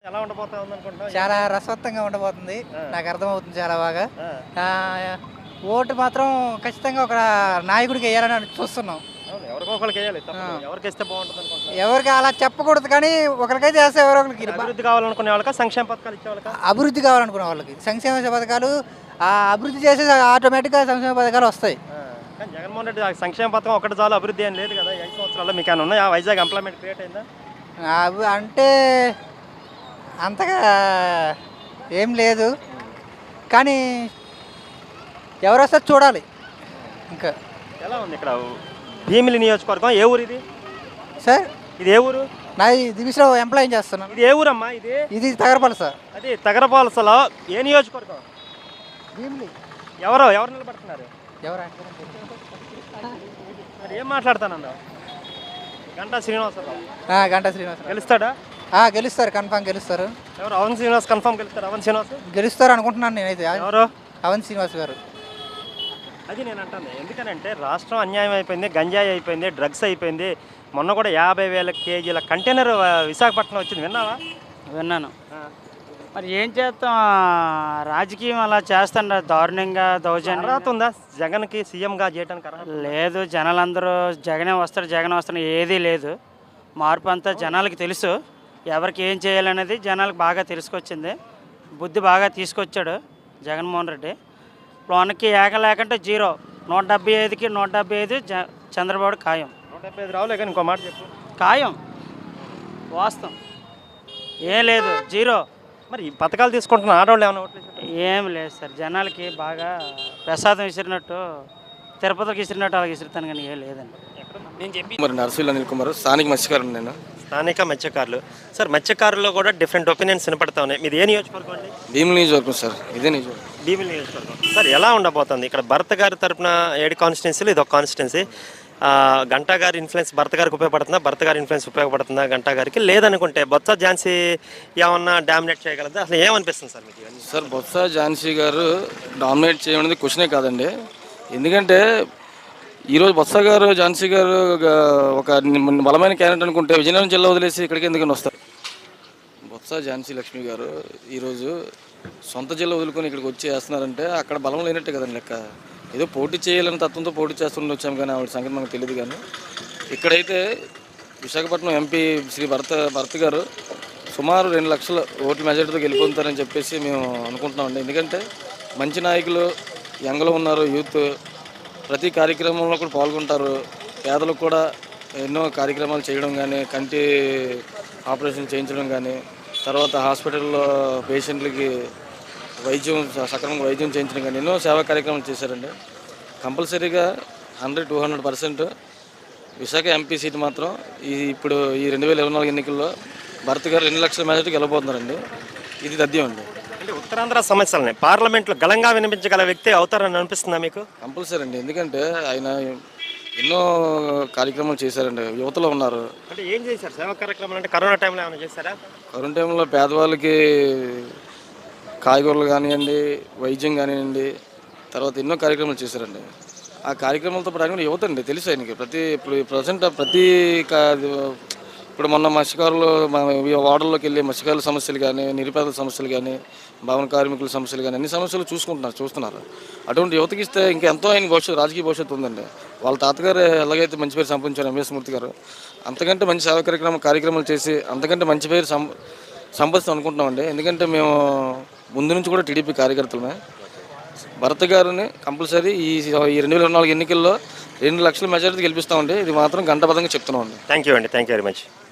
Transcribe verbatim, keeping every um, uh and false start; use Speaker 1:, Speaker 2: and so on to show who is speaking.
Speaker 1: ఎలా ఉండబోతా ఉందనుకుంటున్నావు?
Speaker 2: చాలా రసవత్తంగా ఉండబోతుంది.
Speaker 1: ఆ.
Speaker 2: నాకు అర్థమవుతుంది చాలా బాగా.
Speaker 1: ఆ,
Speaker 2: ఆహ్, ఓటు మాత్రం ఖచ్చితంగా ఒక నాయకుడికి ఎయ్యాలని చూస్తున్నాం.
Speaker 1: అవును, ఎవరికో ఒకరికి వేయాలి తప్పదు.
Speaker 2: ఆ.
Speaker 1: ఎవరికి ఇస్తే బాగుంటుంది అనుకుంటున్నావు?
Speaker 2: ఎవరికి అలా చెప్పకూడదు కానీ ఒకరికైతే వేస్తే ఎవరో ఒకరికి బా-
Speaker 1: అభివృద్ధి కావాలనుకునే వాళ్ళకా, సంక్షేమ పథకాలు ఇచ్చే వాళ్ళకా?
Speaker 2: అభివృద్ధి కావాలనుకునే వాళ్ళకి సంక్షేమ పథకాలు ఆ అభివృద్ధి చేసే ఆటోమేటిక్గా సంక్షేమ పథకాలు వస్తాయి.
Speaker 1: ఆ, కానీ జగన్మోహన్ రెడ్డి ఆ సంక్షేమ పథకం ఒకటి చాలు, అభివృద్ధి ఏం లేదు కదా ఈ ఐదు సంవత్సరాల్లో. మీకు ఏమైనా ఉన్నాయా? వైజాగ్ ఎంప్లాయ్మెంట్ క్రియేట్ అయిందా?
Speaker 2: అవి అంటే అంతగా ఏం లేదు కానీ ఎవరు వస్తే చూడాలి. ఇంకా
Speaker 1: ఎలా ఉంది ఇక్కడ భీమిలి నియోజకవర్గం? ఏ ఊరు ఇది?
Speaker 2: సార్
Speaker 1: ఇది ఏ ఊరు?
Speaker 2: నా దివిలో ఎంప్లాయ్ చేస్తున్నాను.
Speaker 1: ఇది ఏ ఊరమ్మా? ఇది
Speaker 2: ఇది తగరపల్లి సార్.
Speaker 1: అది తగరపాలసలో ఏ నియోజకవర్గం?
Speaker 2: భీమిలి.
Speaker 1: ఎవరో ఎవరు నిలబడుతున్నారు?
Speaker 2: ఎవరా
Speaker 1: మరి ఏం మాట్లాడతానన్నావు? గంటా శ్రీనివాసరావు
Speaker 2: ఆ, గంటా శ్రీనివాసరావు
Speaker 1: గెలుస్తాడా?
Speaker 2: ఆ, గెలుస్తారు, కన్ఫామ్ గెలుస్తారు.
Speaker 1: ఎవరు? అవన్ శ్రీనివాస్ కన్ఫర్మ్ గెలుస్తాడు. అవన్ శ్రీనివాస్
Speaker 2: గెలుస్తారు అనుకుంటున్నాను నేనైతే.
Speaker 1: ఎవరు?
Speaker 2: అవన్ శ్రీనివాస్ గారు.
Speaker 1: అది నేను అంటాను. ఎందుకనంటే రాష్ట్రం అన్యాయం అయిపోయింది, గంజాయి అయిపోయింది, డ్రగ్స్ అయిపోయింది. మొన్న కూడా యాభై వేల కేజీల కంటైనర్ ఆ, విశాఖపట్నం వచ్చింది, విన్నావా?
Speaker 3: విన్నాను.
Speaker 1: ఆ.
Speaker 3: మరి ఏం చేస్తాం, రాజకీయం అలా చేస్తాండ దారుణంగా దౌర్జన్యం.
Speaker 1: అర్హత ఉందా జగన్కి సీఎంగా చేయడానికి? అర్హత
Speaker 3: లేదు, జనాలందరూ జగనే వస్తారు జగనే వస్తారు ఏదీ లేదు. మార్పు అంతా జనాలకి తెలుసు, ఎవరికి ఏం చేయాలనేది జనాలకు బాగా తెలుసుకొచ్చింది. బుద్ధి బాగా తీసుకొచ్చాడు జగన్మోహన్ రెడ్డి. లోన్కి ఏక లేకంటే జీరో, నూట డెబ్బై ఐదుకి నూట డెబ్బై ఐదు జ చంద్రబాబు ఖాయం.
Speaker 1: నూట డెబ్బై ఐదు రావులే కానీ ఇంకో మాట చెప్పు.
Speaker 3: ఖాయం వాస్తవం ఏం లేదు, జీరో.
Speaker 1: మరి ఈ పథకాలు తీసుకుంటున్న ఆడవాళ్ళు ఏమైనా ఓట్లు వేసారా?
Speaker 3: ఏం లేదు సార్, జనాలకి బాగా ప్రసాదం విసిరినట్టు, తిరుపతికి విసిరినట్టు అలా విసిరుతాను కానీ ఏం లేదండి.
Speaker 1: నేను చెప్పి
Speaker 4: మరి నర్సులు అనిల్ కుమార్, స్థానిక మత్స్యకారులు నేను.
Speaker 1: స్థానిక మత్స్యకారులు సార్, మత్స్యకారుల్లో కూడా డిఫరెంట్ ఒపీనియన్స్ వినపడతా ఉన్నాయి. మీది ఏ నియోజకవర్గం అండి?
Speaker 4: భీముల నియోజకవర్గం సార్, ఇదే నియోజకవర్గం.
Speaker 1: భీమిలి నియోజకవర్గం. సార్ ఎలా ఉండబోతుంది ఇక్కడ? భర్త గారి తరపున ఏడు కాన్స్టిట్యున్సీలు, ఇది ఒక కాన్స్టిట్యున్సీ. గంటా గారి ఇన్ఫ్లుయెన్స్ భర్త గారికి ఉపయోగపడుతుందా? భర్త గారి ఇన్ఫ్లుయెన్స్ ఉపయోగపడుతుందా గంటా గారికి? లేదనుకుంటే బొత్స ఝాన్సీ ఏమన్నా డామినేట్ చేయగలదా? అసలు ఏమనిపిస్తుంది సార్ మీకు ఇవన్నీ?
Speaker 4: సార్ బొత్స ఝాన్సీ గారు డామినేట్ చేయడం క్వశ్చనే కాదండి. ఎందుకంటే ఈరోజు బొత్స గారు ఝాన్సీ గారు ఒక బలమైన క్యాండిడేట్ అనుకుంటే విజయనగరం జిల్లా వదిలేసి ఇక్కడికి ఎందుకని వస్తారు? బొత్స ఝాన్సీ లక్ష్మి గారు ఈరోజు సొంత జిల్లా వదులుకొని ఇక్కడికి వచ్చి వేస్తున్నారంటే అక్కడ బలం లేనట్టే కదండి లెక్క. ఏదో పోటీ చేయాలని తత్వంతో పోటీ చేస్తుండే వచ్చాము కానీ ఆవిడ సంగతి మనకు తెలియదు. కానీ ఇక్కడైతే విశాఖపట్నం ఎంపీ శ్రీ భరత భరత్ గారు సుమారు రెండు లక్షల ఓట్ల మెజార్టీతో గెలిపొందుతారని చెప్పేసి మేము అనుకుంటున్నామండి. ఎందుకంటే మంచి నాయకులు యంగ్లో ఉన్నారు, యూత్ ప్రతి కార్యక్రమంలో కూడా పాల్గొంటారు. పేదలకు కూడా ఎన్నో కార్యక్రమాలు చేయడం కానీ, కంటి ఆపరేషన్ చేయించడం కానీ, తర్వాత హాస్పిటల్లో పేషెంట్లకి వైద్యం సక్రమంగా వైద్యం చేయించడం కానీ ఎన్నో సేవా కార్యక్రమాలు చేశారండి. కంపల్సరీగా hundred to hundred percent Visakha MP seat మాత్రం ఈ ఇప్పుడు ఈ రెండు వేల ఇరవై నాలుగు ఎన్నికల్లో భరత్ గారు రెండు లక్షల మెజార్టీకి వెళ్ళబోతున్నారండి. ఇది తథ్యం అండి.
Speaker 1: అంటే ఉత్తరాంధ్ర సమస్యలని పార్లమెంట్లో గలంగా వినిపించగల వ్యక్తి అవుతారని అనిపిస్తుందా మీకు?
Speaker 4: కంపల్సరీ అండి. ఎందుకంటే ఆయన ఎన్నో కార్యక్రమాలు చేశారండి, యువతలో ఉన్నారు.
Speaker 1: అంటే ఏం చేశారు సేవా కార్యక్రమాలు? అంటే కరోనా టైంలో ఏమైనా చేశారా?
Speaker 4: కరోనా టైంలో పేదవాళ్ళకి కాయగూరలు కానివ్వండి, వైద్యం కానివ్వండి, తర్వాత ఎన్నో కార్యక్రమాలు చేశారండి. ఆ కార్యక్రమాలతో పాటు యువత అండి తెలుసు ఆయనకి. ప్రతి ఇప్పుడు ప్రజెంట్ ప్రతి ఇప్పుడు మొన్న మత్స్యకారులు వార్డుల్లోకి వెళ్ళి మత్స్యకారుల సమస్యలు కానీ, నిరుపేదల సమస్యలు కానీ, భవన కార్మికుల సమస్యలు కానీ అన్ని సమస్యలు చూసుకుంటున్నారు చూస్తున్నారు అటువంటి యువతకి ఇస్తే ఇంకెంతో ఆయన భవిష్యత్తు రాజకీయ భవిష్యత్తు ఉందండి. వాళ్ళ తాతగారు ఎలాగైతే మంచి పేరు సంపాదించారు ఎంఎస్ మూర్తి గారు, అంతకంటే మంచి సేవా కార్యక్రమం కార్యక్రమాలు చేసి అంతకంటే మంచి పేరు సం సంపాదిస్తాం అనుకుంటున్నామండి. ఎందుకంటే మేము ముందు నుంచి కూడా టీడీపీ కార్యకర్తలమే. భరత్ గారిని కంపల్సరీ ఈ ఈ రెండు వేల ఇరవై నాలుగు ఎన్నికల్లో రెండు లక్షల మెజారిటీ గెలిపిస్తామండి. ఇది మాత్రం గంటబద్ధంగా చెప్తున్నామండి.
Speaker 1: థ్యాంక్ యూ అండి, థ్యాంక్ యూ వెరీ మచ్.